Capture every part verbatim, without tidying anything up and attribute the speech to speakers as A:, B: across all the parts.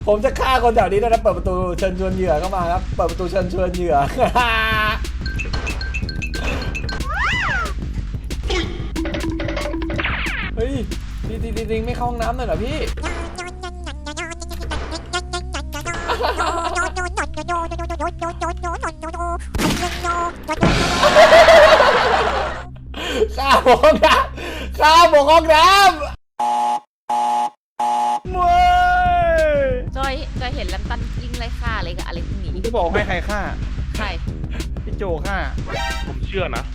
A: ผมจะฆ่าคนแถวนี้ด้วยนะเปิดประตูเชิญชวนเหยื่อเข้ามาครับเปิดประตูเชิญชวนเหยื่อเฮ้ยตีตีตีไม่เข้าห้องน้ำเลยเหรอพี่ข้าบอกห้องน้ำข้าบอกห้องน้ำมวย
B: จอยจอยเห็นแลมตันยิงไรฆ่าอะไรกับอะไรพวกนี้
C: จะบอกให้ใครฆ่า
B: ใคร
C: พี่โจฆ่า
D: ผมเชื่อนะ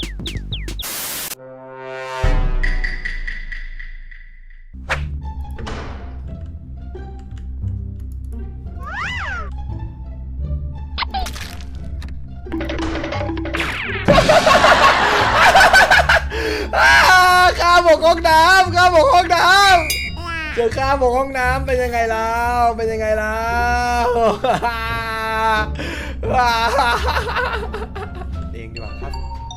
A: ข้าบอกห้องน้ำข้าบอกห้องน้ำเจอข้าบอกห้องน้ำเป็นยังไงแล้วเป็นยังไงแล้วเองดีกว่าครับ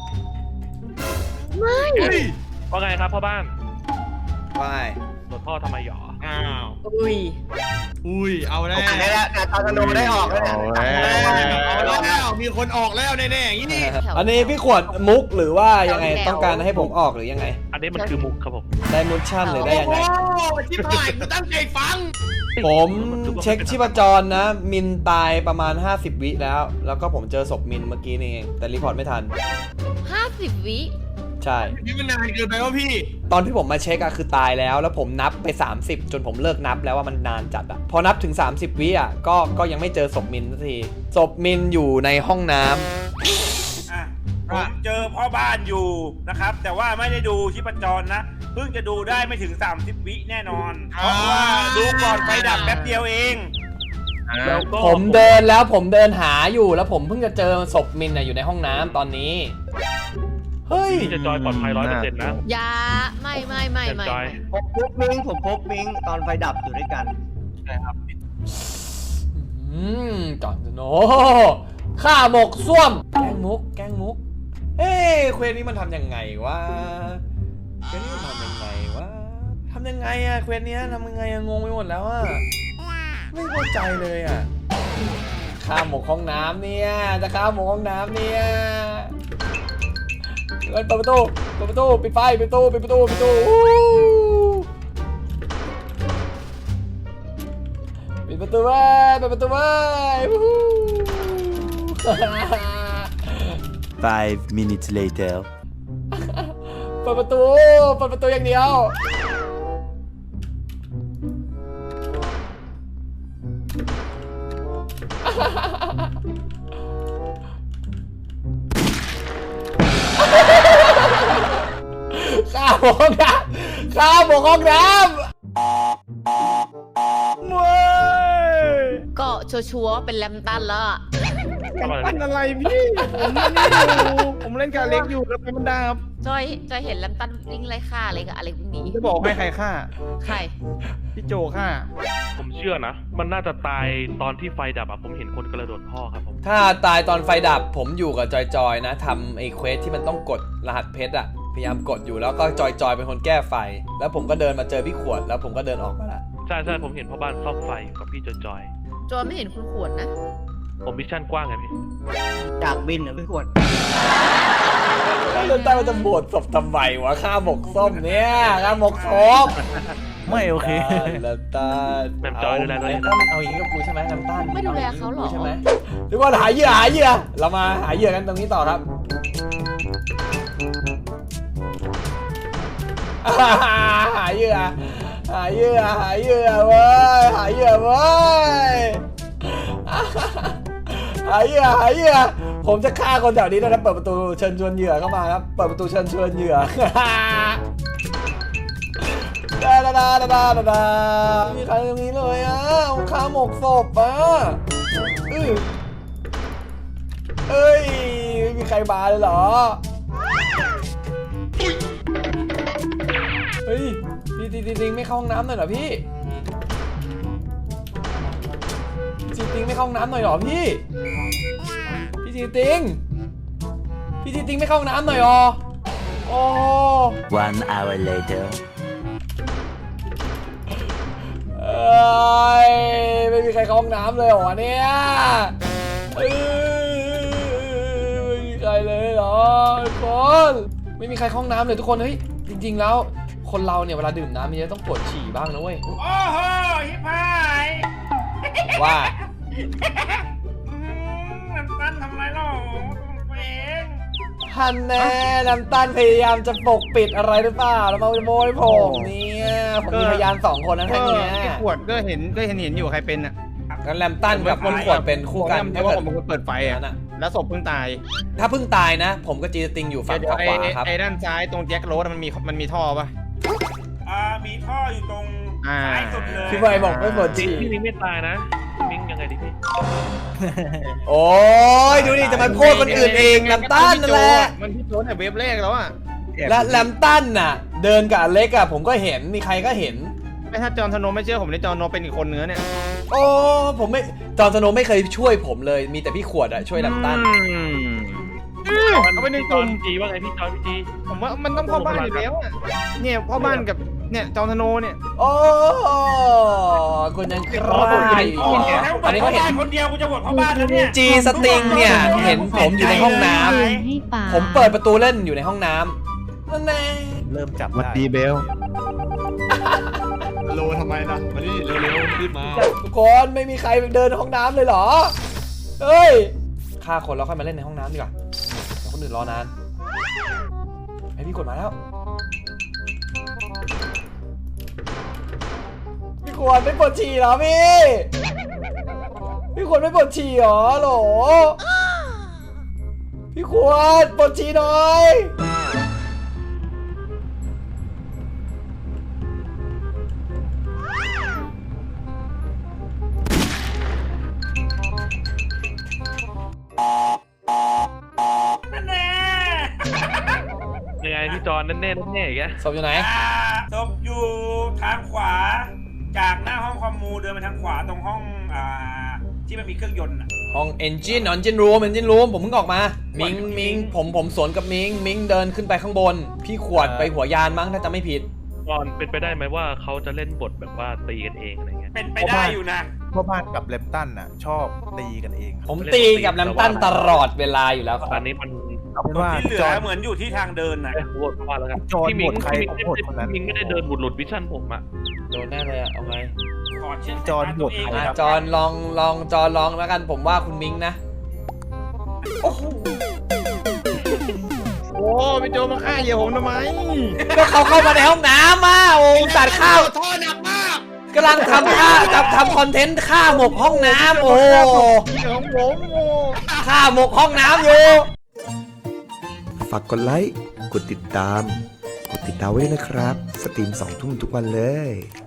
B: ไม่
D: ว่าไงครับพ่อบ้าน
A: ไม่
D: ตรวจพ่อทำไมหรอ
C: อ้าว
B: อุ้ย
C: อุ้ยเอาแล้ว
E: ได้แล้วแต่ตอนโนได้ออกแล้ว
C: เอาแล้วมีคนออกแล้วแน่ๆอย่างนี้
A: อันนี้พี่ขวดมุกหรือว่ายังไงต้องการให้ผมออกหรือยังไง
D: อันนี้มันคือมุกครับผม
A: ได้มุชชั่นหรือได้ยังไง
C: โอ้ชิบหายกูตั้งใจฟัง
A: ผมเช็คชีพจรนะมินตายประมาณห้าสิบวิแล้วแล้วก็ผมเจอศพมินเมื่อกี้นี่เองแต่รีพอร์ตไม่ทัน
B: ห้าสิบวิ
A: ใช่
C: นี่มันนานเกินไปวะพี่
A: ตอนที่ผมมาเช็คอะคือตายแล้วแล้วผมนับไปสามสิบจนผมเลิกนับแล้วว่ามันนานจัดอะพอนับถึงสามสิบวิอะก็ก็ยังไม่เจอศพมินสักทีศพมินอยู่ในห้องน้ำ
F: อ่ะผมเจอพ่อบ้านอยู่นะครับแต่ว่าไม่ได้ดูชีพจรนะเพิ่งจะดูได้ไม่ถึงสามสิบวิแน่นอนเพราะว่าดูก่อนไฟดับแป๊บเดียวเอง
A: ผมเดินแล้วผมเดินหาอยู่แล้วผมเพิ่งจะเจอศพมินอยู่ในห้องน้ำตอนนี้เฮ้ย
D: พี่จะจอยปลอดภัยร้อยเปอร์เซ็นต์นะ
B: อย่าไม่ไม่ไม่ไม่
E: ผมพบมิงผมพบมิงตอนไฟดับอยู่ด้วยกัน
C: ใช่ครับ
A: อืมจอนโนข้าหมกส้วมแกงมุกแกงมุกเฮ้ยเควสนี้มันทำยังไงวะเควสนี้มันทำยังไงวะทำยังไงอะเควสนี้ทำยังไงอะงงไปหมดแล้วอะไม่เข้าใจเลยอะข้าหมกห้องน้ำเนี่ยจะข้าหมกห้องน้ำเนี่ยเปิดประตูเปิดประตูปิดไฟปิดประตูปิดประตูปิดประตูปิดประตูไว้ปิดประตูไว้
G: Five minutes later
A: เปิดประตูเปิดประตูอย่างเดียวข้าบอกห้องน้ำข้าบอกห้องน้ำมวย
B: ก็ชัวร์ๆเป็นแลมตันแล้วอะ
C: ปั้นอะไรพี่ผมไม่ได้ดูผมเล่นกับเล็กอยู่แล้วมันดับ
B: จอยจอยเห็นแลมตันยิงไรฆ่าอะไรกับอะไรพวกนี้
C: จะบอกให้ใครฆ่า
B: ใคร
C: พี่โจฆ่า
D: ผมเชื่อนะมันน่าจะตายตอนที่ไฟดับอะผมเห็นคนกระโดดท่อครับผม
A: ถ้าตายตอนไฟดับผมอยู่กับจอยๆนะทำไอ้เควสที่มันต้องกดรหัสเพชรอะพยายามกดอยู่แล้วก็จอยๆเป็นคนแก้ไฟแล้วผมก็เดินมาเจอพี่ขวดแล้วผมก็เดินออกมาละ
D: ใช่ใช่ผมเห็นพ่อบ้านซ่อมไฟกับพี่จอยจอย
B: จอยไม่เห็นคุณขวดนะ
D: ผมมิชชั่นกว้างไงพี่
E: จากบินเหรอพี่ขวด
A: เดินใต้มันจะบดศพทำไมวะข้าหมกส้มเนี่ยข้าหมกศพ
C: ไม่โอเค
A: น้ำตาล
D: แบบจอยดูแลตัวเอง
A: เอาอย่างนี้กับกูใช่ไหมน้ำตาล
B: ไม่ดูแลเขาหรอ
A: ใช่ไหมทุกคนหาเหยื่อหาเหยื่อเรามาหาเหยื่อกันตรงนี้ต่อครับหาเหยื่อหาเหยื่อหาเหยื่อเว้ยหาเหยื่อเว้ยหาเหยื่อหาเหยื่อผมจะฆ่าคนแถวนี้ด้วยนะเปิดประตูเชิญชวนเหยื่อเข้ามาครับเปิดประตูเชิญชวนเหยื่อดาดาดาดาดาดามีใครตรงนี้เลยอ่ะข้าหมกศพอ่ะเอ้ยไม่มีใครมาเลยเหรอเฮ้ยพี่ติงติงไม่เข้าห้องน้ำหน่อยเหรอพี่พี่ติงไม่เข้าห้องน้ำหน่อยเหรอพี่พี่ติงติงพี่ติงติงไม่เข้าห้องน้ำหน่อยหรอโอ้
G: One hour later
A: เออ้ยไม่มีใครเข้าห้องน้ำเลยเหรอเนี่ยเอ้ยไม่มีใครเลยเหรอทุกคนไม่มีใครเข้าห้องน้ำเลยทุกคนเฮ้ยจริงๆแล้วคนเราเนี่ยเวลาดื่มน้ำมันจะต้องปวดฉี่บ้างนะเว้ย
F: โอ้โหฮิปพาย
A: ว่า
F: อืมน้ำตั้นทำไรหรอตัวเอง
A: ฮันแน่น้ำตาลพยายามจะปกปิดอะไรหรือเปล่าแล้วมาโมยผมเนี่ยผมมีพยานสองคนนะท่านเนี้ย
C: พี่ขวดก็เห็นก็เห็นเห็นอยู่ใครเป็นอ่ะ
A: งั้นแลมตันกับคนขวดเป็นคู่กัน
C: เพ
A: ถ้า
C: ราะว่า
A: เกิด
C: ผมเป็นคนเปิดไฟอ่ะ
A: นั้นอะ
C: แล้วศพเพิ่งตาย
A: ถ้าเพิ่งตายนะ ผมกับจีสติงอยู่ฝั่ง
C: เดี๋ยว
A: ข
C: ไอ้
A: วาครับ
C: ไอ้ด้านซ้ายตรงแจ็คโรสมันมีมันมีท่อป่ะ
F: อ่ามีท่ออยู่ตรง
C: อ่า
F: ซ้ายสุดเลย
A: พี่บอยบอกไม่ปวด
D: จริง
A: ฉี่
D: พี่มิงไม่ตายนะมิงยังไงดิพี่
A: โอ้ยดูดิจะมาโทษคนอื่นเองแลมตันนั่นแหละ
C: มันพี่โจนแต่เว็บแรกแล้วอ่ะ
A: และแลมตันน่ะ เดินกับอเล็กอะผมก็เห็นมีใครก็เห็น
C: ไม่ถ้าจอห์นสโนว์ไม่เชื่อผมในจอห์นสโนว์เป็นอีกคนเนื้อเนี่ย
A: โอ้ผมไม่จอห์นสโนว์ไม่เคยช่วยผมเลย มีแต่พี่ขวดอะช่วยแลมตัน
C: อืมเอาไปใน
D: พี่
C: ก
D: จอ
C: ลุ่
D: น
C: ม
D: จีว่าไงพี่จอนพี่จี
C: ผมว่ามันต้องพ่อบ้านอยู่แล้วอ่ะเนี่ยพ่อบ้านกับเนี่ยจอห์นสโนว์เนี่ย
A: โอ้คุณยังใคร
F: โอ้โหถ้า
A: อันนี้เขาเห็น
F: บ้านคนเดียวกูจะบวชพ่อบ้านแล้วเนี่ย
A: จีสติงเนี่ยเห็นผมอยู่ในห้องน้ำ
B: ให้ป่า
A: ผมเปิดประตูเล่นอยู่ในห้องน้ำนั่นแน่
H: เริ่มจับ
I: วัด
H: ได้
I: ดีเบล
H: โลทำไมล่ะมาดิเร็วๆรีบมา
A: ทุกคนไม่มีใครเดินห้องน้ำเลยเหรอ เฮ้ยฆ่าคนแล้วค่อยมาเล่นในห้องน้ำดีกว่าเดี๋ยวคนอื่นรอนานไอพี่กดมาแล้วพี่ขวดไม่ปวดฉี่เหรอพี่ พี่ขวดไม่ปวดฉี่เหรอโหลพี่ขวดปวดฉี่หน่อย
F: นั่นแน่
D: ยังไงพี่จอนแน่ๆแน่ๆอย่างเงี้ย
A: ศพอยู่ไหน
F: อ่าศพอยู่ทางขวา จากหน้าห้องคอมมูเดินไปทางขวาตรงห้องอ่าที่มันมีเครื่องยนต์อะ
A: ห้อง engine engine room engine room ผมเพิ่งออกมา มิงมิงผมผมสวนกับมิงมิงเดินขึ้นไปข้างบน พี่ขวดไปหัวยานมั้งถ้าจำไม่ผิด
D: จอนเป็นไปได้ไหมว่าเขาจะเล่นบทแบบว่าตีกันเองอะไรเงี้ย
F: เป็นไปได้อยู่นะ
H: พ่อบ้านกับเลมตันน่ะ ชอบตีกันเองครับ
A: ผมตีกับแลมตันตลอดเวลาอยู่แล้วค
D: ต
A: รั
D: อบ นนี้มัน
H: เอาเป็นว่า
F: ที่เหลื
H: จอ
F: อ
H: ห์น
F: เหมือนอยู่ที่ทางเดินน่ะ
D: เอ้ยโหวตว่าแล้วกัน
H: จอน
D: พี่มิง
H: โหวตใคร
D: พี่มิง
H: ผมโหวตคนนั้น
D: พี่มิงไม่ได้เดินบุดหลุดวิชั่นผมอะ
A: โดนแน่เลยอะเอาไง
F: ขอเชื่อ
H: จอห์น
F: สายตา
H: บวช
F: ตัวเอง
H: ใคร
A: อ่ะ
H: ครับ
A: จอนลองลองจอนลองแล้วกันผมว่าคุณมิงนะ โอ้โห
C: โอ้พี่โจมาฆ่าเหยี่ยวผมทำไม
A: ก็เขาเข้ามาในห้องน้ำอ่ะโอ้ตัดข้าว
F: ท่อหนักมาก
A: กำลังทำท่าทำทำคอนเทนต์ฆ่าหมกห้องน้ำโอ้
C: เหยี่ยวของผมโอ้
A: ฆ่าหมกห้องน้ำอยู่
I: ฝากกดไลค์ กดติดตาม กดติดดาวไว้ด้วยนะครับ สตรีมสองทุ่มทุกวันเลย